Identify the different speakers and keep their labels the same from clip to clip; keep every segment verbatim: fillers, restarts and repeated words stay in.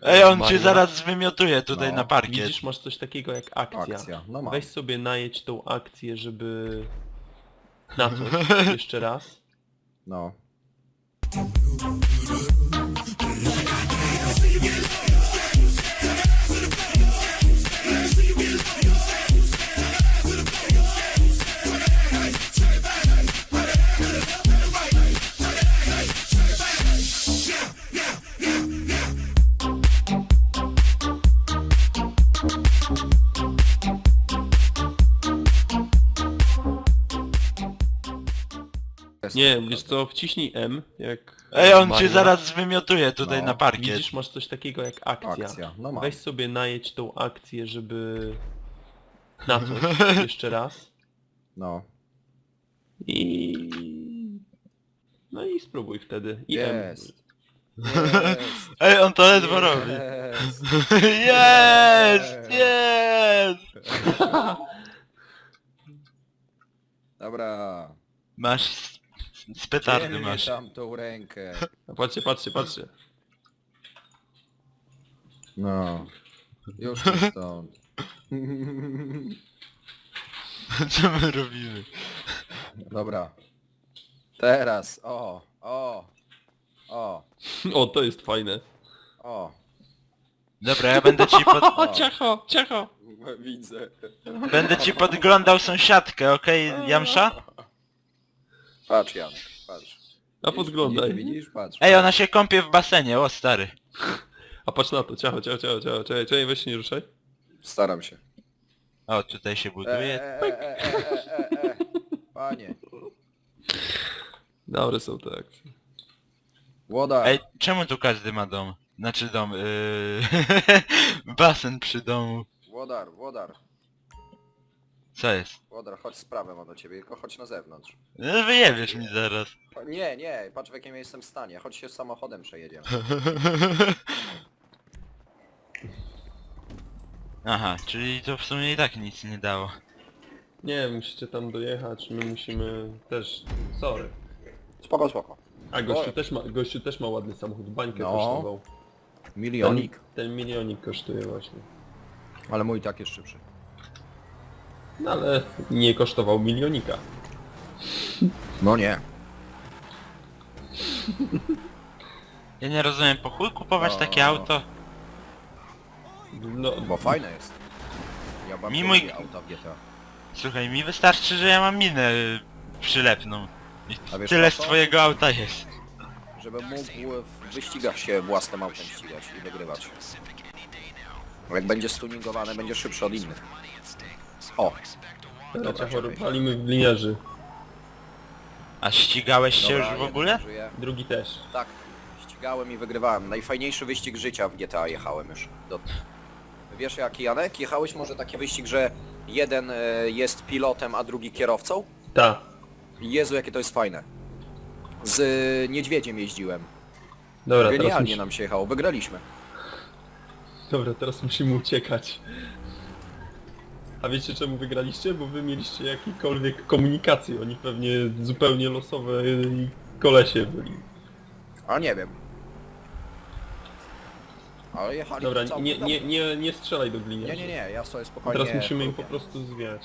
Speaker 1: Ej, on cię
Speaker 2: Maria.
Speaker 1: zaraz wymiotuje tutaj
Speaker 3: No.
Speaker 1: na parkiet.
Speaker 2: Widzisz, masz coś takiego jak akcja.
Speaker 3: Akcja, no mam.
Speaker 2: Weź sobie najedź tą akcję, żeby... Na coś, jeszcze raz.
Speaker 3: No. Jest.
Speaker 2: Nie, wiesz co, wciśnij M, jak...
Speaker 1: Ej, on cię
Speaker 2: Maria.
Speaker 1: zaraz wymiotuje tutaj
Speaker 3: No.
Speaker 1: na parkiet.
Speaker 2: Widzisz, masz coś takiego jak akcja.
Speaker 3: Akcja, no mam.
Speaker 2: Weź sobie najedź tą akcję, żeby... Na coś, jeszcze raz.
Speaker 3: No.
Speaker 2: I... No i spróbuj wtedy. I M.
Speaker 3: Jest. Jest.
Speaker 1: Ej, on to ledwo robi.
Speaker 3: Jest.
Speaker 1: Jest! Jest!
Speaker 3: Dobra.
Speaker 1: Masz... z- Z petardy
Speaker 3: Dzielnie
Speaker 1: masz.
Speaker 3: tam tą rękę.
Speaker 2: A patrzcie, patrzcie, patrzcie.
Speaker 3: No. Już tu stąd.
Speaker 1: Co my robimy?
Speaker 3: Dobra. Teraz. O. O. O.
Speaker 2: O, to jest fajne.
Speaker 3: O.
Speaker 1: Dobra, ja będę ci pod...
Speaker 3: O.
Speaker 2: Ciacho, ciacho.
Speaker 3: Widzę.
Speaker 1: Będę ci podglądał sąsiadkę, okej, Jamsza?
Speaker 3: Patrz Janek, patrz.
Speaker 2: A podglądaj.
Speaker 3: Widzisz, widzisz? Patrz.
Speaker 1: Ej, ona się kąpie w basenie, o stary.
Speaker 2: A patrz na to, ciacho, ciacho, ciacho, ciacho, czekaj, czekaj, weź się nie ruszaj.
Speaker 3: Staram się.
Speaker 1: O, tutaj się
Speaker 3: E,
Speaker 1: buduje.
Speaker 3: e, e, e, e, e, e. Panie.
Speaker 2: Dobre są te akcje.
Speaker 3: Łoda.
Speaker 1: Ej, czemu tu każdy ma dom? Znaczy dom, yy... basen przy domu.
Speaker 3: Włodar, Włodar.
Speaker 1: Co jest?
Speaker 3: Włodar, chodź sprawę mam do ciebie, tylko chodź na zewnątrz.
Speaker 1: No wyjebiesz mi zaraz.
Speaker 3: O, nie, nie, patrz w jakim ja jestem stanie. Chodź się samochodem przejedziemy.
Speaker 1: Aha, czyli to w sumie i tak nic nie dało.
Speaker 2: Nie, musicie tam dojechać, my musimy też... Sorry.
Speaker 3: Spoko, spoko.
Speaker 2: A gościu
Speaker 3: O.
Speaker 2: też ma, gościu też ma ładny samochód, bańkę
Speaker 3: No.
Speaker 2: kosztował.
Speaker 3: Milionik.
Speaker 2: Ten, ten milionik kosztuje właśnie.
Speaker 3: Ale mój tak jest szybszy.
Speaker 2: No ale nie kosztował milionika.
Speaker 3: No nie.
Speaker 1: Ja nie rozumiem, po chuj kupować
Speaker 3: No.
Speaker 1: takie auto?
Speaker 2: No,
Speaker 3: Bo fajne jest. Ja bardzo
Speaker 1: Mi mój-
Speaker 3: lubię auta w G T A.
Speaker 1: Słuchaj, mi wystarczy, że ja mam minę y, przylepną. I
Speaker 3: A wiesz
Speaker 1: tyle
Speaker 3: po
Speaker 1: z
Speaker 3: co?
Speaker 1: twojego auta jest.
Speaker 3: Żebym mógł w wyścigach się własnym autem ścigać i wygrywać. Bo jak będzie stuningowane, będzie szybszy od innych. O!
Speaker 2: dobra,
Speaker 3: Dobra,
Speaker 2: ciacho,
Speaker 3: czekaj.
Speaker 2: palimy w liniarzy.
Speaker 1: A ścigałeś się
Speaker 3: Dobra,
Speaker 1: już w
Speaker 3: jeden
Speaker 1: ogóle?
Speaker 3: żyje.
Speaker 2: Drugi też.
Speaker 3: Tak, ścigałem i wygrywałem. Najfajniejszy wyścig życia w G T A jechałem już. Do... Wiesz jaki, Janek? Jechałeś może taki wyścig, że jeden e, jest pilotem, a drugi kierowcą?
Speaker 2: Ta.
Speaker 3: Jezu, jakie to jest fajne. Z e, niedźwiedziem jeździłem.
Speaker 2: Dobra, teraz,
Speaker 3: Genialnie
Speaker 2: musi...
Speaker 3: nam się jechało, wygraliśmy.
Speaker 2: Dobra, teraz musimy uciekać. A wiecie czemu wygraliście? Bo wy mieliście jakiekolwiek komunikację, oni pewnie zupełnie losowe i kolesie byli.
Speaker 3: A nie wiem. Ale jechali
Speaker 2: Dobra,
Speaker 3: całkiem
Speaker 2: nie,
Speaker 3: dobrze.
Speaker 2: nie, nie, nie strzelaj do gliniarzy.
Speaker 3: nie, nie, nie, ja sobie spokojnie
Speaker 2: Teraz musimy im po
Speaker 3: lubię.
Speaker 2: prostu zwiać.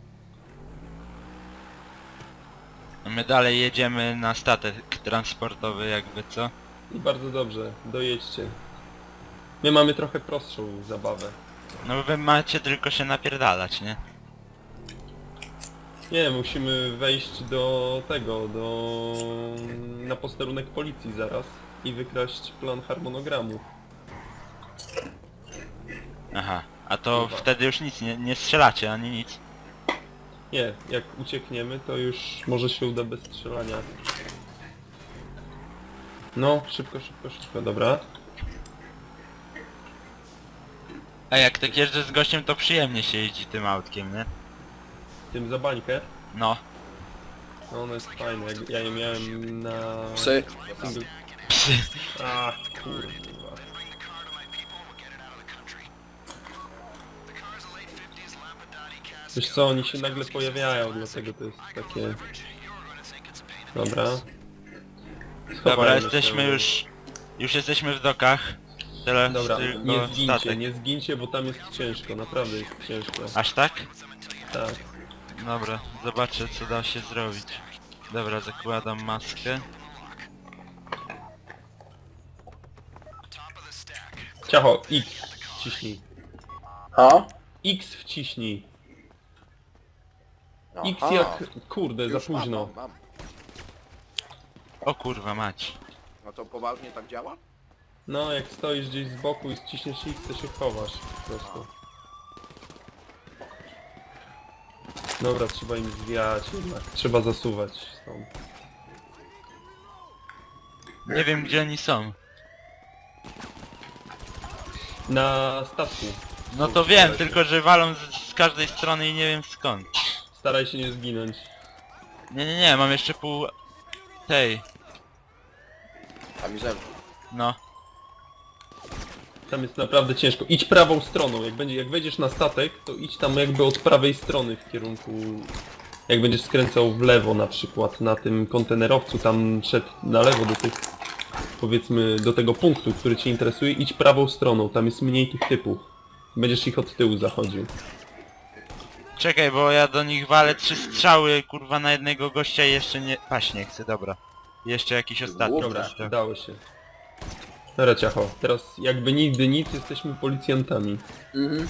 Speaker 1: My dalej jedziemy na statek transportowy jakby, co?
Speaker 2: I bardzo dobrze, dojedźcie. My mamy trochę prostszą zabawę.
Speaker 1: No wy macie tylko się napierdalać, nie?
Speaker 2: Nie, musimy wejść do tego, do... na posterunek policji zaraz i wykraść plan harmonogramu.
Speaker 1: Aha, a to
Speaker 2: Chyba.
Speaker 1: wtedy już nic, nie, nie strzelacie ani nic.
Speaker 2: Nie, jak uciekniemy, to już może się uda bez strzelania. No, szybko, szybko, szybko, dobra.
Speaker 1: A jak tak jeżdżę z gościem, to przyjemnie się jeździ tym autkiem, nie?
Speaker 2: Tym za bańkę.
Speaker 1: No.
Speaker 2: No, ono jest fajne, jak ja je miałem na...
Speaker 3: Psy.
Speaker 2: Single...
Speaker 1: Psy.
Speaker 2: A, kurwa. Wiesz co, oni się nagle pojawiają, dlatego to jest takie... Dobra.
Speaker 1: Dobra,
Speaker 2: Schowajmy
Speaker 1: jesteśmy
Speaker 2: się.
Speaker 1: już... Już jesteśmy w dokach. Teraz
Speaker 2: Dobra,
Speaker 1: tylko
Speaker 2: nie zgincie,
Speaker 1: statek.
Speaker 2: nie zgincie, bo tam jest ciężko, naprawdę jest ciężko.
Speaker 1: Aż tak?
Speaker 2: Tak.
Speaker 1: Dobra, zobaczę co da się zrobić. Dobra, zakładam maskę.
Speaker 2: Ciacho, X wciśnij.
Speaker 3: Ha?
Speaker 2: X wciśnij. X
Speaker 3: Aha.
Speaker 2: jak... Kurde, za
Speaker 3: Już mam,
Speaker 2: późno.
Speaker 3: mam, mam.
Speaker 1: O kurwa mać.
Speaker 3: No to poważnie tak działa?
Speaker 2: No, jak stoisz gdzieś z boku i ściśniesz X, to się chowasz po prostu. Dobra, trzeba im zwijać jednak. Trzeba zasuwać stąd.
Speaker 1: Nie wiem gdzie oni są.
Speaker 2: Na statku.
Speaker 1: No to wiem, tylko że walą z, z każdej strony i nie wiem skąd.
Speaker 2: Staraj się nie zginąć.
Speaker 1: Nie, nie, nie, mam jeszcze pół... tej,
Speaker 3: Kamizelka.
Speaker 1: no.
Speaker 2: Tam jest naprawdę ciężko. Idź prawą stroną. Jak będzie, jak wejdziesz na statek, to idź tam jakby od prawej strony w kierunku... Jak będziesz skręcał w lewo na przykład na tym kontenerowcu, tam szedł na lewo do tych... Powiedzmy do tego punktu, który cię interesuje, idź prawą stroną. Tam jest mniej tych typów. Będziesz ich od tyłu zachodził.
Speaker 1: Czekaj, bo ja do nich walę trzy strzały, kurwa, na jednego gościa i jeszcze nie... Paść nie chcę, dobra. Jeszcze jakiś ostatni.
Speaker 2: Dobra,
Speaker 1: gościa.
Speaker 2: udało się. Dobra, ciacho. Teraz jakby nigdy nic, jesteśmy policjantami.
Speaker 3: Mhm.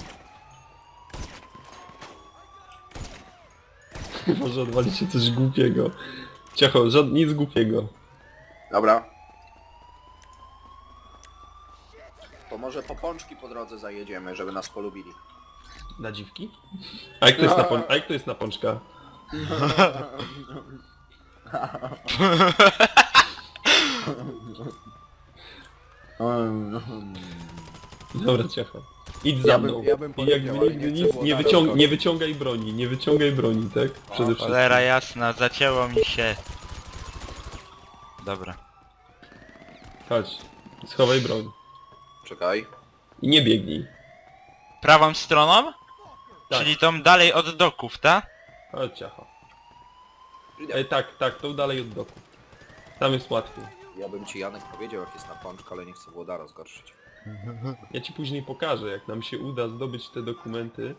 Speaker 2: Może odwalić się coś głupiego. Ciacho, żad... nic głupiego.
Speaker 3: Dobra. To może po pączki po drodze zajedziemy, żeby nas polubili.
Speaker 2: Na dziwki? A jak to jest na, pon... A jak to jest na pączka? Dobra, ciacho. Idź za
Speaker 3: Ja bym-
Speaker 2: mną.
Speaker 3: ja bym
Speaker 2: I
Speaker 3: powiedział,
Speaker 2: jakby
Speaker 3: ale
Speaker 2: nigdy
Speaker 3: nie chcę
Speaker 2: nic,
Speaker 3: było
Speaker 2: nie,
Speaker 3: na
Speaker 2: wyciąg...
Speaker 3: rozkaz.
Speaker 2: nie wyciągaj broni, nie wyciągaj broni, tak? Przede wszystkim.
Speaker 1: Cholera jasna, zacięło mi się. Dobra.
Speaker 2: Chodź, schowaj broń.
Speaker 3: Czekaj.
Speaker 2: I nie biegnij.
Speaker 1: Prawą stroną?
Speaker 2: Tak.
Speaker 1: Czyli tą dalej od doków, tak?
Speaker 2: Chodź, ciacho. Ej, tak, tak, to dalej od doku. Tam jest łatwiej.
Speaker 3: Ja bym ci Janek powiedział jak jest na pączka, ale nie chcę Włodara zgorszyć.
Speaker 2: Ja ci później pokażę, jak nam się uda zdobyć te dokumenty.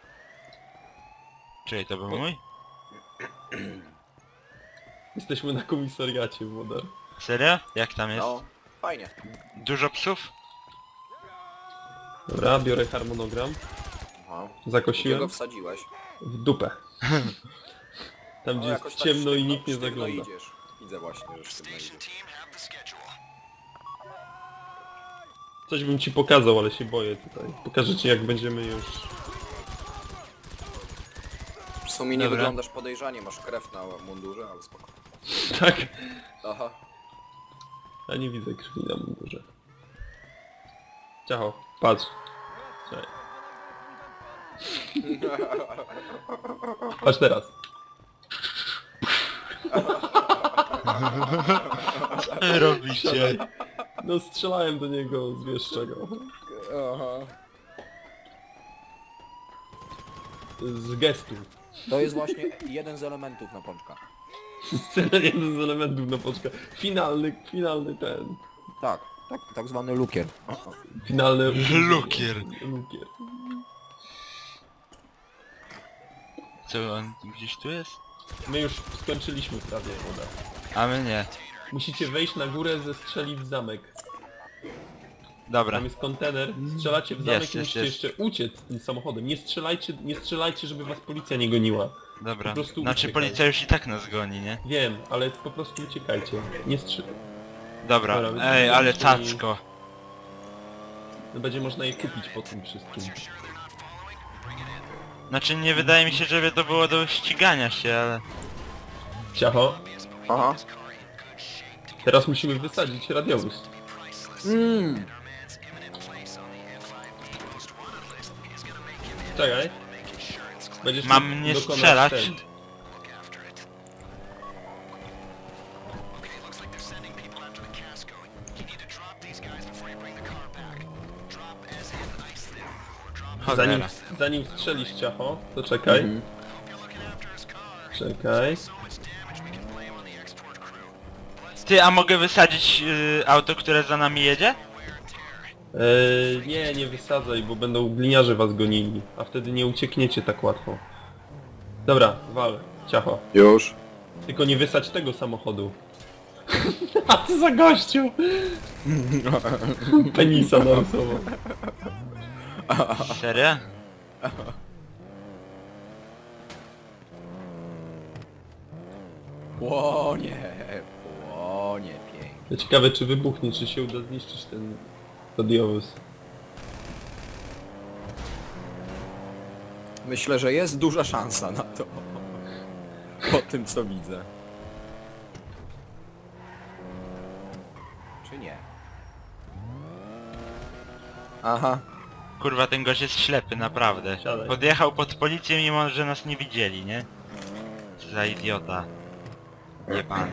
Speaker 1: Czyli to był mój?
Speaker 2: Jesteśmy na komisariacie, Włodar.
Speaker 1: Serio? Jak tam jest?
Speaker 3: No, fajnie.
Speaker 1: Dużo psów?
Speaker 2: Dobra, biorę harmonogram.
Speaker 3: Aha. Gdzie
Speaker 2: Zakosiłem
Speaker 3: go wsadziłeś?
Speaker 2: w dupę. Tam gdzie
Speaker 3: No,
Speaker 2: jest
Speaker 3: jakoś tak
Speaker 2: ciemno i
Speaker 3: sztywno-
Speaker 2: nikt nie
Speaker 3: sztywno
Speaker 2: zagląda.
Speaker 3: idziesz. Widzę właśnie, że sztywno idziesz.
Speaker 2: Coś bym ci pokazał, ale się boję tutaj. Pokażę ci jak będziemy już...
Speaker 3: W sumie nie
Speaker 1: Dobra.
Speaker 3: wyglądasz podejrzanie, masz krew na mundurze, ale spoko.
Speaker 2: Tak?
Speaker 3: Aha.
Speaker 2: Ja nie widzę krwi na mundurze. Ciacho, patrz. Czekaj. Patrz teraz.
Speaker 1: Co wy robicie?
Speaker 2: Siadaj. No strzelałem do niego z wiesz czego.
Speaker 3: Aha.
Speaker 2: Z gestu.
Speaker 3: To jest właśnie jeden z elementów na pączka.
Speaker 2: Scena jeden z elementów na poczkę. Finalny, finalny ten.
Speaker 3: Tak, tak, tak zwany lukier.
Speaker 2: Finalny...
Speaker 1: Lukier.
Speaker 2: Lukier.
Speaker 1: Co, on gdzieś tu jest?
Speaker 2: My już skończyliśmy prawie wodę.
Speaker 1: A my nie.
Speaker 2: Musicie wejść na górę, zestrzelić w zamek.
Speaker 1: Dobra.
Speaker 2: Tam jest kontener, strzelacie w zamek
Speaker 1: Jest,
Speaker 2: i
Speaker 1: jest,
Speaker 2: musicie
Speaker 1: jest.
Speaker 2: jeszcze uciec tym samochodem. Nie strzelajcie, nie strzelajcie, żeby was policja nie goniła.
Speaker 1: Dobra.
Speaker 2: Po prostu
Speaker 1: Znaczy
Speaker 2: uciekaj.
Speaker 1: policja już i tak nas goni, nie?
Speaker 2: Wiem, ale po prostu uciekajcie. Nie strzel...
Speaker 1: Dobra.
Speaker 2: Dobra,
Speaker 1: Ej, ale
Speaker 2: czyli-
Speaker 1: cacko.
Speaker 2: No będzie można je kupić po tym wszystkim.
Speaker 1: Znaczy nie wydaje mi się, żeby to było do ścigania się, ale...
Speaker 2: Ciacho,
Speaker 3: Aha.
Speaker 2: teraz musimy wysadzić radiowóz.
Speaker 3: Mm.
Speaker 2: Czekaj. Będziesz
Speaker 1: Mam
Speaker 2: mógł
Speaker 1: nie
Speaker 2: dokonać
Speaker 1: strzelać?
Speaker 2: ten. Zanim,
Speaker 1: Cholera.
Speaker 2: zanim strzelisz ciacho, to czekaj.
Speaker 3: Mhm.
Speaker 2: Czekaj.
Speaker 1: Ty, a mogę wysadzić y, auto, które za nami jedzie?
Speaker 2: Eee, nie, nie wysadzaj, bo będą gliniarze was gonili, a wtedy nie uciekniecie tak łatwo. Dobra, wal, ciacho.
Speaker 3: Już.
Speaker 2: Tylko nie wysadź tego samochodu. A co za gościu? Penisa narysował.
Speaker 1: Serio?
Speaker 3: Płonie, płonie pięknie.
Speaker 2: Ja ciekawe czy wybuchnie, czy się uda zniszczyć ten radiowóz.
Speaker 3: Myślę, że jest duża szansa na to. Po tym co widzę. Czy nie? Aha.
Speaker 1: Kurwa, ten gość jest ślepy, naprawdę.
Speaker 2: Siadaj.
Speaker 1: Podjechał pod policję, mimo że nas nie widzieli, nie? Co za idiota. Jebany.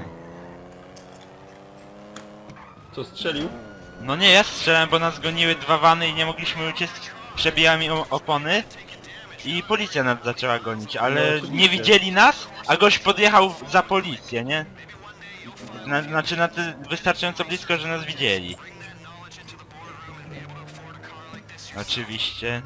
Speaker 2: Co, strzelił?
Speaker 1: No nie, ja strzelałem, bo nas goniły dwa wany i nie mogliśmy uciec. Przebijałem im opony. I policja nas zaczęła gonić,
Speaker 2: No,
Speaker 1: ale
Speaker 2: oczywiście.
Speaker 1: nie widzieli nas, a gość podjechał za policję, nie? Na, znaczy na ty wystarczająco blisko, że nas widzieli. Oczywiście.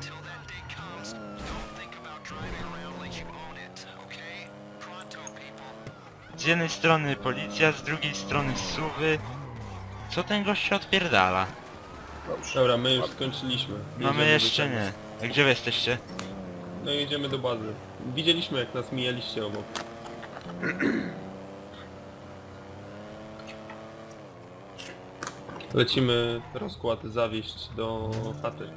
Speaker 1: Z jednej strony policja, z drugiej strony suwy. Co ten gość się odpierdala?
Speaker 3: Dobrze.
Speaker 2: Dobra, my już skończyliśmy.
Speaker 1: No
Speaker 2: Jedziemy
Speaker 1: my
Speaker 2: do
Speaker 1: jeszcze
Speaker 2: tego.
Speaker 1: nie. A gdzie wy jesteście?
Speaker 2: No jedziemy do bazy. Widzieliśmy jak nas mijaliście obok. Lecimy rozkład zawieźć do chaty.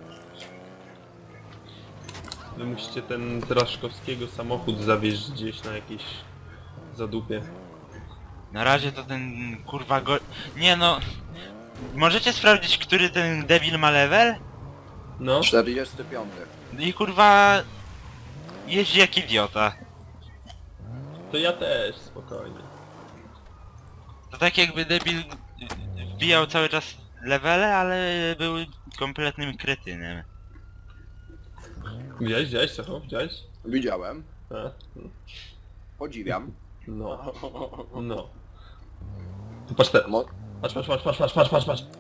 Speaker 2: Wy musicie ten Traszkowskiego samochód zawieźć gdzieś na jakieś zadupie.
Speaker 1: Na razie to ten kurwa go... Nie no... Możecie sprawdzić, który ten debil ma level?
Speaker 2: No,
Speaker 3: czterdziesty piąty.
Speaker 1: I kurwa... Jeździ jak idiota.
Speaker 2: to ja też, spokojnie.
Speaker 1: To tak jakby debil wbijał cały czas levele, ale był kompletnym kretynem.
Speaker 2: Widziałeś, widziałeś, co? Widziałeś?
Speaker 3: Widziałem.
Speaker 2: A,
Speaker 3: Podziwiam.
Speaker 2: no, no. Tu patrz te...
Speaker 3: Mo
Speaker 2: Patrz, patrz, patrz, patrz, patrz, patrz, patrz, patrz.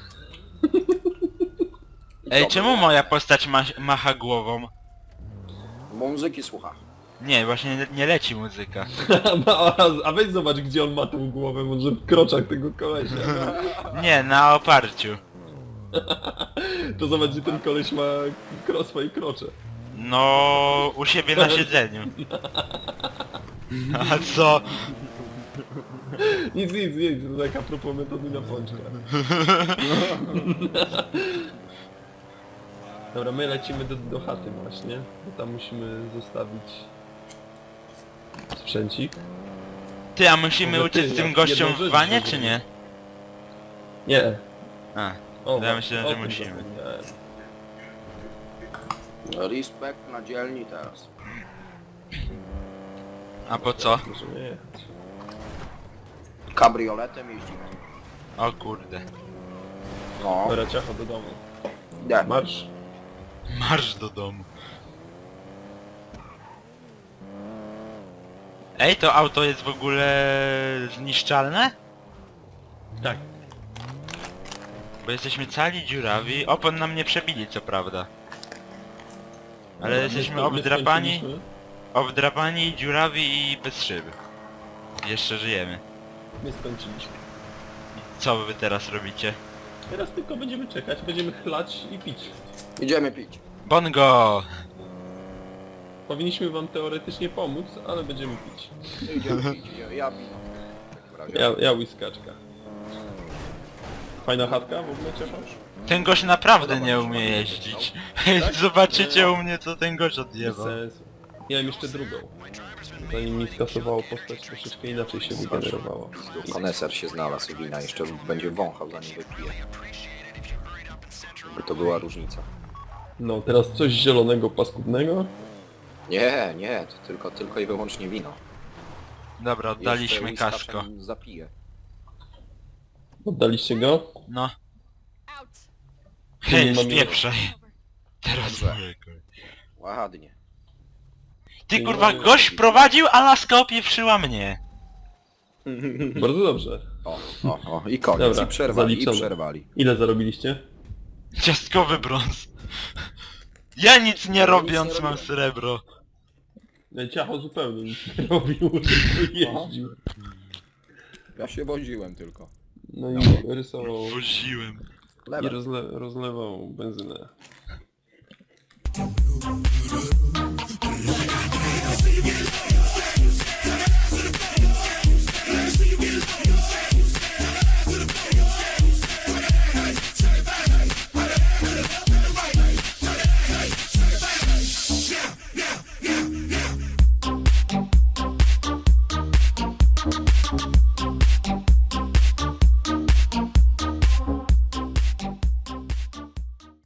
Speaker 1: Ej,
Speaker 3: Co
Speaker 1: czemu
Speaker 3: było?
Speaker 1: moja postać ma macha głową?
Speaker 3: Bo muzyki słucha.
Speaker 1: Nie, właśnie nie, nie leci muzyka.
Speaker 2: a, a weź zobacz gdzie on ma tą głowę, może w kroczach tego kolesia.
Speaker 1: Nie, na oparciu.
Speaker 2: To zobacz gdzie ten koleś ma kro, swoje krocze.
Speaker 1: No, u siebie na siedzeniu. A co?
Speaker 2: Nic, nic, nic, to tak a propos metody na pączka. Dobra, my lecimy do, do chaty właśnie, bo tam musimy zostawić sprzęcik.
Speaker 1: Ty, a musimy
Speaker 2: Może ty,
Speaker 1: uciec z tym
Speaker 2: jak
Speaker 1: gościom
Speaker 2: jedną
Speaker 1: w
Speaker 2: rzecz
Speaker 1: wanie,
Speaker 2: zrobimy.
Speaker 1: czy nie?
Speaker 2: Nie.
Speaker 1: A,
Speaker 2: O,
Speaker 1: Ja myślałem,
Speaker 2: o
Speaker 1: że
Speaker 2: tym
Speaker 1: musimy.
Speaker 2: zapomniałem.
Speaker 3: Respekt na dzielni teraz.
Speaker 1: a po co?
Speaker 2: Możemy jechać.
Speaker 3: Kabrioletem jeździmy.
Speaker 1: O kurde.
Speaker 3: No.
Speaker 2: Dobra, ciacho do domu.
Speaker 3: Nie.
Speaker 2: Marsz.
Speaker 1: Marsz do domu. Ej, to auto jest w ogóle zniszczalne?
Speaker 2: Tak.
Speaker 1: Bo jesteśmy cali dziurawi. Opon nam nie przebili, co prawda. Ale
Speaker 2: Dobra,
Speaker 1: jesteśmy
Speaker 2: my- my
Speaker 1: obdrapani,
Speaker 2: skończyliśmy.
Speaker 1: obdrapani, dziurawi i bez szyb. Jeszcze żyjemy.
Speaker 2: My skończyliśmy.
Speaker 1: Co wy teraz robicie?
Speaker 2: Teraz tylko będziemy czekać, będziemy chlać i pić.
Speaker 3: Idziemy pić.
Speaker 1: Bongo!
Speaker 2: Powinniśmy wam teoretycznie pomóc, ale będziemy pić.
Speaker 3: Idziemy pić. Ja, ja wino. W takim razie.
Speaker 2: Ja, ja whiskaczka. Fajna chatka w ogóle cieszasz?
Speaker 1: Ten gość naprawdę nie umie jeździć. Zobaczycie u mnie, co ten gość
Speaker 2: Bez
Speaker 1: odjebał.
Speaker 2: sensu. Miałem jeszcze drugą. Zanim mi skasowało postać, troszeczkę inaczej się wygenerowało.
Speaker 3: Koneser się znalazł wina, jeszcze będzie wąchał zanim wypije. By to była różnica.
Speaker 2: No, teraz coś zielonego, paskudnego?
Speaker 3: Nie, nie, to tylko, tylko i wyłącznie wino.
Speaker 1: Dobra,
Speaker 3: Jeszcze
Speaker 1: oddaliśmy
Speaker 3: whiskaczem
Speaker 1: kaszko.
Speaker 3: Zapiję.
Speaker 2: Oddaliście go?
Speaker 1: No.
Speaker 4: Out.
Speaker 1: Hej,
Speaker 2: nie mamy-
Speaker 1: spieprzaj. Teraz
Speaker 3: Dobrze.
Speaker 1: moje kolej.
Speaker 3: Ładnie.
Speaker 1: Ty
Speaker 2: Nie
Speaker 1: kurwa,
Speaker 2: mamy-
Speaker 1: gość prowadził, a laska opieprzyła mnie.
Speaker 2: Bardzo dobrze.
Speaker 3: O, o, o, i koniec,
Speaker 2: Dobra,
Speaker 3: i przerwali, i
Speaker 2: zaliczone.
Speaker 3: przerwali.
Speaker 2: Ile zarobiliście?
Speaker 1: Ciastkowy brąz. Ja nic nie
Speaker 3: Ja
Speaker 1: robiąc
Speaker 3: nic nie
Speaker 1: mam
Speaker 3: robiłem.
Speaker 1: srebro.
Speaker 2: Nie, Ciacho zupełnie nic nie robił, tylko jeździł.
Speaker 3: Ja się woziłem tylko.
Speaker 2: No i rysował
Speaker 1: Woziłem.
Speaker 2: i
Speaker 3: Lewe.
Speaker 2: rozle rozlewał benzynę.